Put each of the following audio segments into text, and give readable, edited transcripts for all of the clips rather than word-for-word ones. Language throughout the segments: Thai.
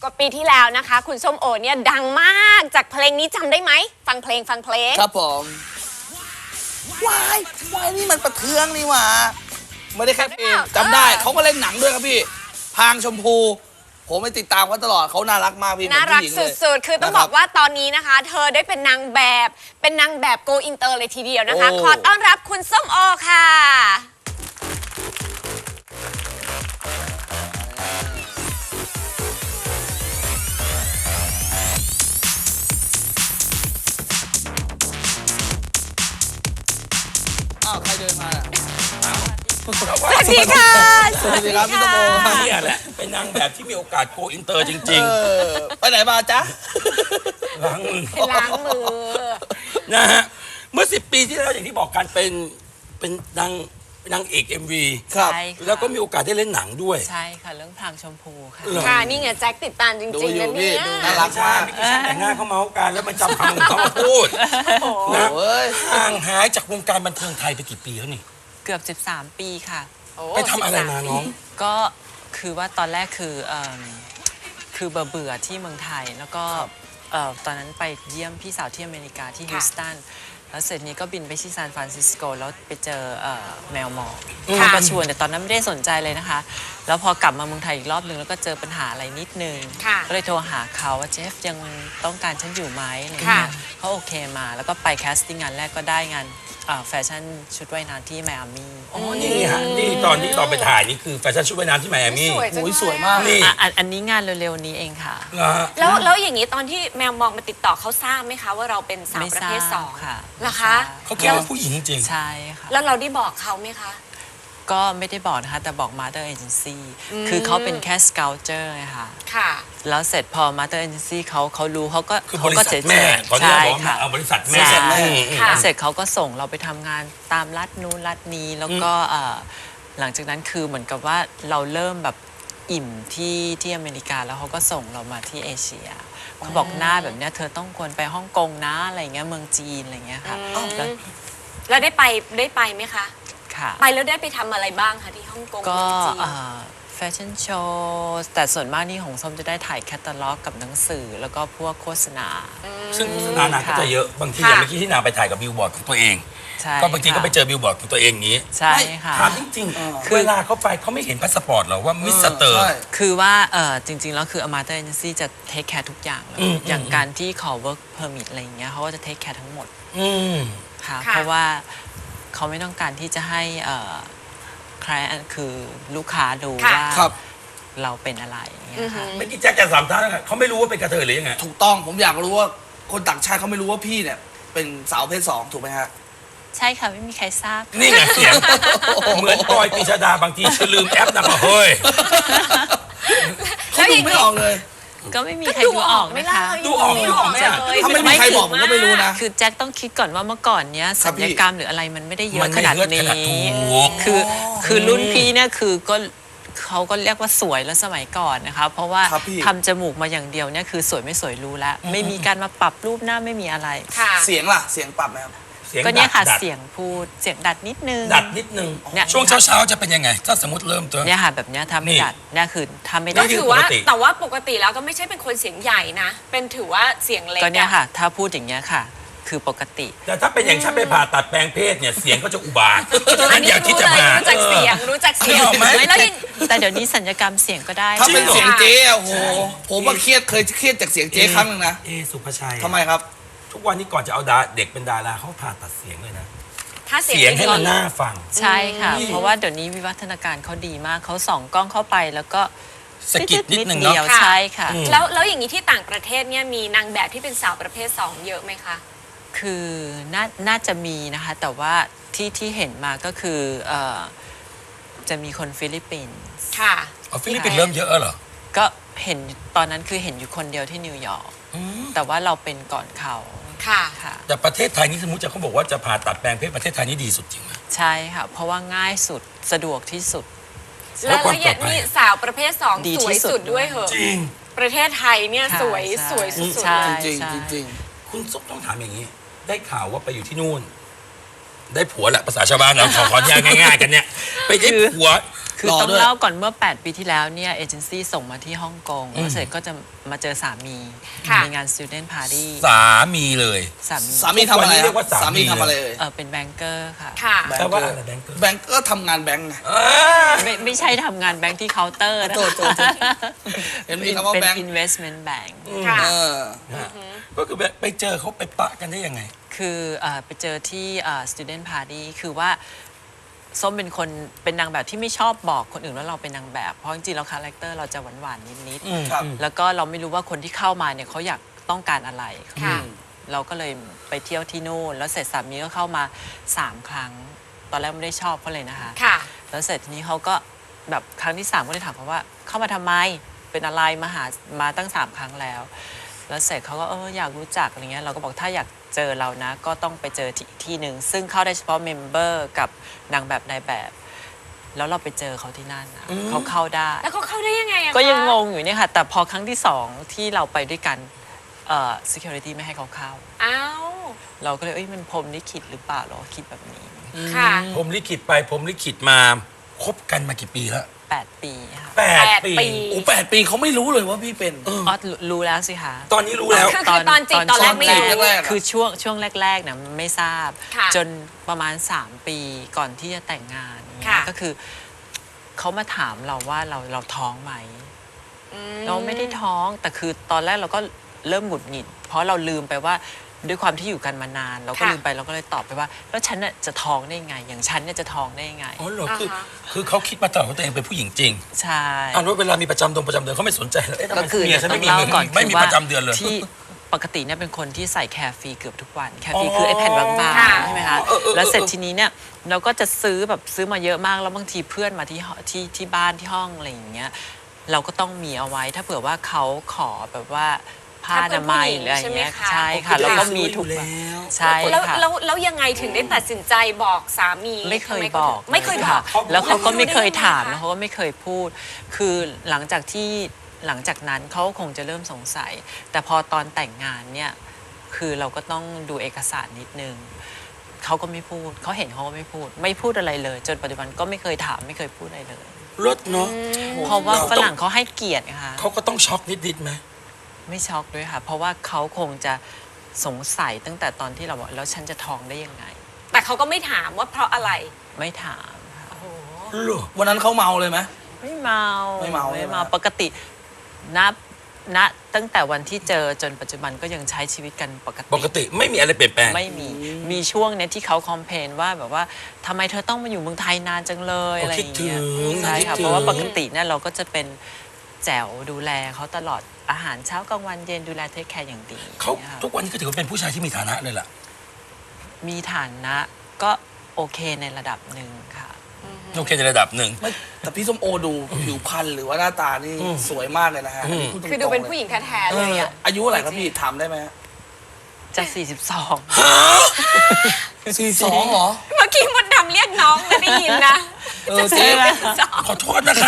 กว่าปีที่แล้วนะคะ คุณส้มโอเนี่ยดังมากจากเพลงนี้จำได้ไหมฟังเพลงครับผมวายวายนี่มันประเทืองนี่หว่าไม่ได้แค่เพลงจำได้เขาก็เล่นหนังด้วยครับพี่พางชมพูผมไปติดตามเขาตลอดเขาน่ารักมากพี่น่ารักสุดๆคือต้องบอกว่าตอนนี้นะคะ เธอได้เป็นนางแบบโกอินเตอร์เลยทีเดียวนะคะขอต้อนรับคุณส้มโอค่ะใครเดินมาสวัสดีค่ะสวัสดีครับพี่ตะโมนี่แหละเป็นนางแบบที่มีโอกาสโกอินเตอร์จริงๆไปไหนมาจ๊ะล้างมือนะฮะเมื่อ10 ปีที่แล้วอย่างที่บอกกันเป็นนางเอก MV ครับแล้วก็มีโอกาสได้เล่นหนังด้วยใช่ค่ะเรื่องพรางชมพูค่ะค่ะนี่ไงแจ็คติดตามจริงๆนะเนี่ยน่ารักมากแต่งหน้าเขาเมาส์กันแล้วมันจำคำของเขามาพูดนะห่างหายจากวงการบันเทิงไทยไปกี่ปีแล้วนี่เกือบ13 ปีค่ะไปทำอะไรมาน้องก็คือว่าตอนแรกคือเบื่อที่เมืองไทยแล้วก็ตอนนั้นไปเยี่ยมพี่สาวที่อเมริกาที่ฮิวสตันแล้วเสร็จนี้ก็บินไปที่ซานฟรานซิสโกแล้วไปเจอแมวหมอกก็ชวนแต่ตอนนั้นไม่ได้สนใจเลยนะคะแล้วพอกลับมาเมืองไทยอีกรอบนึงแล้วก็เจอปัญหาอะไรนิดนึงก็เลยโทรหาเขาว่าเจฟยังต้องการฉันอยู่ไหมอะไรเงี้ยเขาโอเคมาแล้วก็ไปแคสติ้งงานแรกก็ได้งานแฟชั่นชุดว่ายน้ำที่ไมอามี่อ๋อนี่ฮะนี่ตอนที่เราไปถ่ายนี่คือแฟชั่นชุดว่ายน้ำที่ไมอามี่สวยมากนี่อันนี้งานเร็วๆนี้เองค่ะแล้วอย่างนี้ตอนที่แมวมองมาติดต่อเขาทราบไหมคะว่าเราเป็นสาวประเภท2 ค่ะเหรอคะเขาคิดว่าผู้หญิงจริงใช่ค่ะแล้วเราได้บอกเขาไหมคะก็ไม่ได้บอกนะคะแต่บอก Mother Agency คือเขาเป็นแค่ Sculptor ไงค่ะแล้วเสร็จพอ Mother Agency เขารู้เขาก็คือบริษัทแม่ใช่ค่ะบริษัทแม่แล้วเสร็จเขาก็ส่งเราไปทำงานตามรัฐนู้นรัฐนี้แล้วก็หลังจากนั้นคือเหมือนกับว่าเราเริ่มแบบอิ่มที่อเมริกาแล้วเขาก็ส่งเรามาที่เอเชียเขาบอกหน้าแบบเนี้ยเธอต้องควรไปฮ่องกงนะอะไรเงี้ยเมืองจีนอะไรเงี้ยค่ะแล้วได้ไปไหมคะไปแล้วได้ไปทำอะไรบ้างคะที่ฮ่องกงก็แฟชั่นโชว์แต่ส่วนมากนี่ของส้มจะได้ถ่ายแคตตาล็อกกับหนังสือแล้วก็พวกโฆษณาซึ่งโฆษณานางก็จะเยอะบางทีอย่างเมื่อกี้ที่นางไปถ่ายกับบิลบอร์ดของตัวเองก็บางทีก็ไปเจอบิลบอร์ดของตัวเองอย่างนี้ใช่ค่ะถามจริงๆเวลาเขาไปเขาไม่เห็นพาสปอร์ตหรอว่ามิสเตอร์คือว่าจริงๆแล้วคือ Amateur Agency จะเทคแคร์ทุกอย่างเลยอย่างการที่ขอ work permit อะไรอย่างเงี้ยเขาก็จะเทคแคร์ทั้งหมดค่ะเพราะว่าเขาไม่ต้องการที่จะให้ใครคือลูกค้าดูว่าเราเป็นอะไรอย่างเงี้ยค่ะไม่กี่แจ็คจะสามท่านเขาไม่รู้ว่าเป็นกระเทยหรือยังไงถูกต้องผมอยากรู้ว่าคนต่างชาติเขาไม่รู้ว่าพี่เนี่ยเป็นสาวเพศ2ถูกไหมฮะใช่ค่ะไม่มีใครทราบนี่ไงเสียงเหมือนปอยปีชดาบางทีฉันลืมแอปนะเฮ้ยเขาดูไม่ออกเลยก็ไม่มีใครดูออกนะคะดูออกไหมถ้าไม่มีใครบอกผมก็ไม่รู้นะคือแจ็คต้องคิดก่อนว่าเมื่อก่อนเนี้ยศัลยกรรมหรืออะไรมันไม่ได้เยอะขนาดนี้คือรุ่นพี่เนี่ยคือก็เขาก็เรียกว่าสวยแล้วสมัยก่อนนะคะเพราะว่าทำจมูกมาอย่างเดียวเนี่ยคือสวยไม่สวยรู้แล้วไม่มีการมาปรับรูปหน้าไม่มีอะไรเสียงล่ะเสียงปรับไหมครับก็เนี่ยค่ะเสียงพูดเสียงดัดนิดนึงช่วงเช้าจะเป็นยังไงถ้าสมมติเริ่มตัวเนี่ยค่ะแบบเนี้ยทำไม่ดัดเนี่ยคือทำไม่ได้ก็ถือว่าแต่ว่าปกติแล้วก็ไม่ใช่เป็นคนเสียงใหญ่นะเป็นถือว่าเสียงเล็กก็เนี่ยค่ะถ้าพูดอย่างเงี้ยค่ะคือปกติแต่ถ้าเป็นอย่างฉันไปผ่าตัดแปลงเพศเนี่ยเสียงก็จะอุบาทอันนี้รู้จักเสียงแล้วแต่เดี๋ยวนี้สัญญกรรมเสียงก็ได้ถ้าเป็นเสียงเจ๊โอ้โหผมว่าเครียดจากเสียงเจ๊ครั้งนึงนะสุภชัยทำไมครับทุกวันนี้ก่อนจะเอาเด็กเป็นดาราเขาผ่าตัดเสียงเลยนะถ้าเสียงให้มันน่าฟังใช่ค่ะเพราะว่าเดี๋ยวนี้วิวัฒนาการเขาดีมากเขาส่องกล้องเข้าไปแล้วก็สกิดนิดนึงเนาะใช่ค่ะแล้วอย่างนี้ที่ต่างประเทศเนี่ยมีนางแบบที่เป็นสาวประเภท2เยอะไหมคะคือน่าจะมีนะคะแต่ว่าที่เห็นมาก็คือจะมีคนฟิลิปปินส์ค่ะฟิลิปปินส์เริ่มเยอะเหรอก็เห็นตอนนั้นคือเห็นอยู่คนเดียวที่นิวยอร์กแต่ว่าเราเป็นก่อนเขาค่ะแต่ประเทศไทยนี่สมมติเขาบอกว่าจะผ่าตัดแปลงเพศประเทศไทยนี่ดีสุดจริงไหมใช่ค่ะเพราะว่าง่ายสุดสะดวกที่สุดแล้วนี่สาวประเภท2สวยสุดด้วยเหรอจริงประเทศไทยเนี่ยสวยสุดจริงคุณซุปต้องถามอย่างนี้ได้ข่าวว่าไปอยู่ที่นู่นได้ผัวแหละภาษาชาวบ้านเราขออนุญาตง่ายๆกันเนี่ยไปได้ผัวคือรอต้องด้วยเล่าก่อนเมื่อ 8 ปีที่แล้วเนี่ยเอเจนซี่ส่งมาที่ฮ่องกงแล้วเสร็จก็จะมาเจอสามีค่ะในงาน Student Party สามีเลยสามีสามีทำอะไรวันนี้เรียกว่าสามีทำอะไรเลยเป็นแบงเกอร์ค่ะค่ะแปลว่าอะไรแบงค์เกอร์แบงก์ก็ทำงานแบงก์ไงไม่ใช่ทำงานแบงค์ที่เคาน์เตอร์นะโทษ เห็นมีคำว่าเป็นแบงก์ investment bank ค่ะเออก็คือไปเจอเขาไปปะกันได้ยังไงคือไปเจอที่student party คือว่าส้มเป็นคนเป็นนางแบบที่ไม่ชอบบอกคนอื่นว่าเราเป็นนางแบบ เพราะจริงๆแล้วคาแรคเตอร์เราจะหวานๆนิดครับๆแล้วก็เราไม่รู้ว่าคนที่เข้ามาเนี่ยเขาอยากต้องการอะไรค่ะเราก็เลยไปเที่ยวที่นู่นแล้วเสร็จสามีก็เข้ามา 3 ครั้ง ตอนแรกไม่ได้ชอบเขาเลยนะคะค่ะแล้วเสร็จทีนี้เขาก็แบบครั้งที่ 3 ก็เลยถามเขาว่าเข้ามาทำไมเป็นอะไรมาตั้ง 3 ครั้งแล้ว แล้วเสร็จเขาก็อยากรู้จักอะไรเงี้ยเราก็บอกถ้าอยากเจอเรานะ ก็ต้องไปเจอที่หนึ่งซึ่งเข้าได้เฉพาะเมมเบอร์กับนางแบบนายแบบ แล้วเราไปเจอเขาที่นั่นนะเขาเข้าได้แล้วเขาเข้าได้ยังไงอะคะก็ยังงงอยู่เนี่ยค่ะ แต่พอครั้งที่ 2 ที่เราไปด้วยกันsecurity ไม่ให้เขาเข้าอ้าวเราก็เลยมันพรหมลิขิตหรือเปล่าเราคิดแบบนี้ค่ะผมลิขิตไปผมลิขิตมาคบกันมากี่ปีแล้ว 8 ปีค่ะ 8 ปีปีโอ้8 ปีเขาไม่รู้เลยว่าพี่เป็นรู้แล้วสิคะตอนนี้รู้แล้วคือตอนจีบตอนแรกไม่รู้แรกๆคือช่วงแรกๆนะไม่ทราบค่ะจนประมาณ 3 ปีก่อนที่จะแต่งงานอย่างเงี้ค่ะยก็คือเขามาถามเราว่าเราท้องไหม เราไม่ได้ท้องแต่คือตอนแรกเราก็เริ่มหงุดหงิด เพราะเราลืมไปว่าด้วยความที่อยู่กันมานาน เราก็ค่ะลืมไปเราก็เลยตอบไปว่าแล้วฉันน่ะจะท้องได้ยังไง อย่างฉันเนี่ยจะท้องได้ยังไงอ๋อเหรอคืออ่าฮะคือเขาคิดมาตลอดว่าตัวเองเป็นผู้หญิงจริงใช่อ่านว่าเวลามีประจำเดือนเขาไม่สนใจเลยเอ๊ะทำไมก็คือเมียฉันต้ไม่องมีเล่าเงินก่อนไม่มีคือว่าประจำเดือนเลยที่ปกติเนี่ยเป็นคนที่ใส่แคร์ฟรีเกือบทุกวันแคร์ฟรีอ๋อคือไอ้แผ่นบางค่ะๆใช่ไหมคะแล้วเสร็จทีนี้เนี่ยเราก็จะซื้อมาเยอะมากแล้วบางทีเพื่อนมาที่บ้านที่ห้องอะไรอย่างเงี้ยเราก็ต้องมีเอาไว้ถ้าเผื่อว่าเขาขอแบบว่าผ้าอนามัยหรืออะไรอย่างเงี้ยใช่ค่ะแล้วก็มีทุกวันใช่แล้วค่ะแล้วยังไงถึงได้ตัดสินใจบอกสามีไม่เคยทำบอกไม่เคยบอกแล้วเขาก็ไม่เคยถามแล้แล้ววเขาก็ไม่เคยพูด คือหลังจากนั้นเขาคงจะเริ่มสงสัย แต่พอตอนแต่งงานเนี่ยคือเราก็ต้องดูเอกสารนิดนึงเขาก็ไม่พูดเขาเห็นเขาก็ไม่พูดอะไรเลย จนปัจจุบันก็ไม่เคยถามไม่เคยพูดอะไรเลยรถเนาะเพราะว่าฝรั่งเขาให้เกียรตินะคะเขาก็ต้องช็อกนิดไหมไม่ช็อกด้วยค่ะ เพราะว่าเขาคงจะสงสัยตั้งแต่ตอนที่เราบอกแล้วฉันจะท้องได้ยังไงแต่เขาก็ไม่ถามว่าเพราะอะไรไม่ถามค่ะเหรอวันนั้นเขาเมาเลยไหมไม่เมาไม่เมาใช่ไหมปกติณตั้งแต่วันที่เจอจนปัจจุบันก็ยังใช้ชีวิตกันปกติปกติไม่มีอะไรเปลี่ยนแปลงไม่มีช่วงเนี้ยที่เขาคอมเพลนว่าแบบว่าทำไมเธอต้องมาอยู่เมืองไทยนานจังเลยโอ้อะไรอย่างเงี้ยคิดถึงใช่ค่ะคิดถึงเพราะว่าปกติเนี่ยเราก็จะเป็นแจ๋วดูแลเขาตลอดอาหารเช้ากลางวันเย็นดูแลเทคแคร์อย่างดีเขานี่ยค่ะทุกวันนี้ก็ถือว่าเป็นผู้ชายที่มีฐานะเลยล่ะมีฐานะก็โอเคในระดับหนึ่งค่ะโอเคในระดับหนึ่งไม่แต่พี่ส้มโอดูผิวพรรณหรือว่าหน้าตานี่สวยมากเลยนะฮะอันนี้พูดตรงๆคือดูเป็นผู้หญิงแท้ๆเลยอะอายุอะไรครับพี่ถามได้ไหมฮะจะ 42 42เหรอเมื่อกี้มดดำเรียกน้องไม่ได้ยินนะเจ๊ขอโทษนะคะ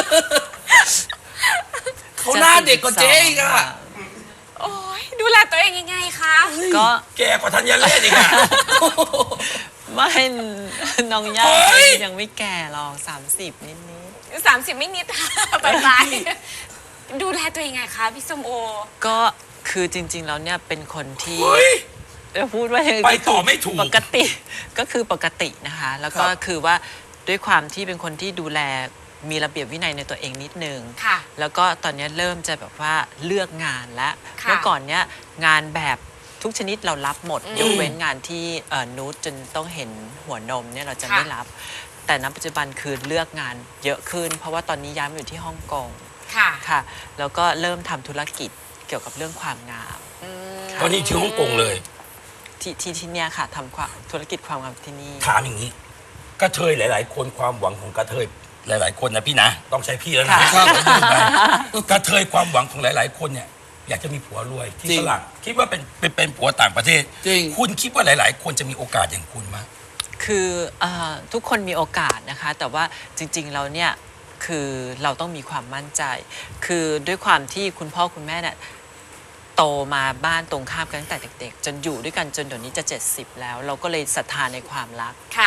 เขาหน้าเด็กกว่าเจ๊อีกอะโอ้ยดูแลตัวเองยังไงคะก็แกกว่าธัญเรศอีกอะไม่น้องย่าเฮ้ยยังไม่แก่หรอก30 นิด 30 ไม่นิด ไปดูแลตัวเองยังไงคะพี่ส้มโอๆก็คือจริง ๆ แล้วเนี่ยเป็นคนที่เฮ้ยจะพูดว่ายังงไปต่อไม่ถูกปกติก็คือปกตินะคะ แล้วก็คือว่าด้วยความที่เป็นคนที่ดูแลมีระเบียบวินัยในตัวเองนิดนึงค่ะแล้วก็ตอนนี้เริ่มจะแบบว่าเลือกงานแล้วค่ะเมื่อก่อนเนี้ยงานแบบทุกชนิดเรารับหมด ยกเว้นงานที่นูดจนต้องเห็นหัวนมเนี่ยเราจะไม่รับ แต่ณปัจจุบันคือเลือกงานเยอะขึ้น เพราะว่าตอนนี้ย้ายมาอยู่ที่ฮ่องกงค่ะค่ะ แล้วก็เริ่มทำธุรกิจเกี่ยวกับเรื่องความงามตอนนี้ที่ฮ่องกงเลยที่เนี่ยค่ะทำความธุรกิจความงามที่นี่ถามอย่างนี้กระเทยหลาย ๆ คนความหวังของกระเทยหลาย ๆ คนนะพี่นะ ต้องใช้พี่แล้วนะค่ะกระเทยความหวังของหลาย ๆ คนเนี่ยอยากจะมีผัวรวยที่จริงฝรั่งคิดว่าเป็นผัวต่างประเทศจริงคุณคิดว่าหลาย ๆ คนจะมีโอกาสอย่างคุณไหมคือทุกคนมีโอกาสนะคะ แต่ว่าจริงๆแล้วเนี่ยคือเราต้องมีความมั่นใจ คือด้วยความที่คุณพ่อคุณแม่เนี่ยโตมาบ้านตรงข้ามกันตั้งแต่เด็กๆ จนอยู่ด้วยกันจนเดี๋ยวนี้จะ 70 แล้ว เราก็เลยศรัทธาในความรักค่ะ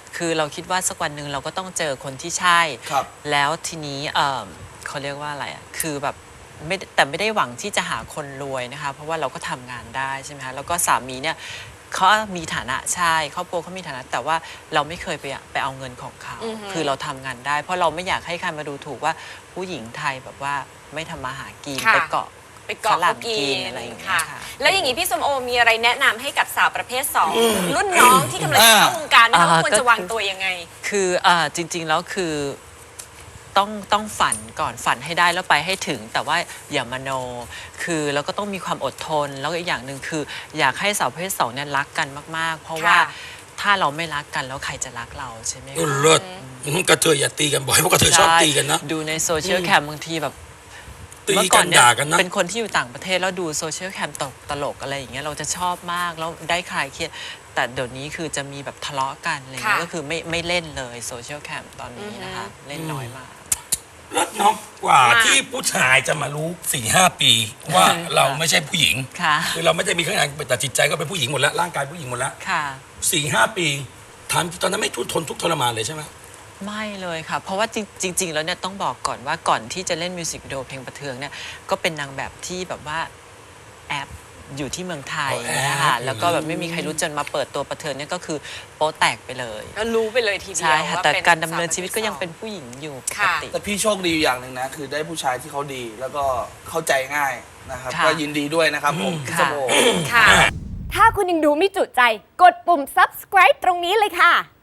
คือเราคิดว่าสักวันหนึ่งเราก็ต้องเจอคนที่ใช่ครับแล้วทีนี้เขาเรียกว่าอะไรอ่ะคือแบบแต่ไม่ได้หวังที่จะหาคนรวยนะคะเพราะว่าเราก็ทำงานได้ใช่ไหมคะแล้วก็สามีเนี่ยเขามีฐานะใช่ครอบครัวเขามีฐานะแต่ว่าเราไม่เคยไปเอาเงินของเขาคือเราทำงานได้ เพราะเราไม่อยากให้ใครมาดูถูกว่าผู้หญิงไทยแบบว่าไม่ทำมาหากินค่ะไปเกาะไปเกาะฝรั่เขางกิกินนอะไรอย่างเงี้ยค่ะค่ะแล้วอย่างนี้พี่ส้มโอมีอะไรแนะนำให้กับสาวประเภท 2 รุ่นน้องที่กำลังจะเข้าวงการนะคะว่าควรจะวางตัวยังไงคือจริงๆแล้วคือต้องฝันก่อนฝันให้ได้แล้วไปให้ถึง แต่ว่าอย่ามโนคือแล้วก็ต้องมีความอดทนแล้วก็อีกอย่างหนึ่งคืออยากให้สาวประเภท 2เนี่ยรักกันมากๆ เพราะว่าค่ะถ้าเราไม่รักกันแล้วใครจะรักเราใช่ไหมเออคะเลิศกระเทยอย่าตีกันบ่อยเพราะกระเทยชอบตีกันนะดูในโซเชียลแคมบางทีแบบตีเมื่อกัก่อน นเนี่ยด่ากันนะเป็นคนที่อยู่ต่างประเทศแล้วดูโซเชียลแคมตลกอะไรอย่างเงี้ยเราจะชอบมากแล้วได้คลายเครียดแต่เดี๋ยวนี้คือจะมีแบบทะเลาะกันอะไรเงี้ยค่ะก็คือไม่เล่นเลยโซเชียลแคมตอนนี้นะคะเล่นน้อยมากเลิศเนาะกว่าค่ะที่ผู้ชายจะมารู้ 4-5 ปีว่าเราไม่ใช่ผู้หญิงค่ะคือเราไม่ได้มีข้างในแต่จิตใจก็เป็นผู้หญิงหมดแล้วร่างกายผู้หญิงหมดแล้วค่ะ 4-5 ปีถามตอนนั้นไม่ทุกทนทุกข์ทรมานเลยใช่ไหมไม่เลยค่ะ เพราะว่าจริง ๆ แล้วเนี่ยต้องบอกก่อนว่าก่อนที่จะเล่นมิวสิกวิดีโอเพลงประเทืองเนี่ยก็เป็นนางแบบที่แบบว่าแอบอยู่ที่เมืองไทยอ๋อแอบนะคะแล้วก็แบบไม่มีใครรู้จนมาเปิดตัวประเทืองเนี่ยก็คือโป๊แตกไปเลยก็รู้ไปเลยทีเดียวใช่ค่ะว่าแต่เป็นการดำเนินสชีวิตก็ยังเป็นผู้หญิงอยู่ปกค่ะติแต่พี่โชคดีอยู่อย่างหนึ่งนะ คือได้ผู้ชายที่เขาดีแล้วก็เข้าใจง่ายนะครับค่ะก็ยินดีด้วยนะครับผมพี่สมโอค่ะถ้าคุณยังดูไม่จุใจ กดปุ่ม subscribe ตรงนี้เลยค่ะ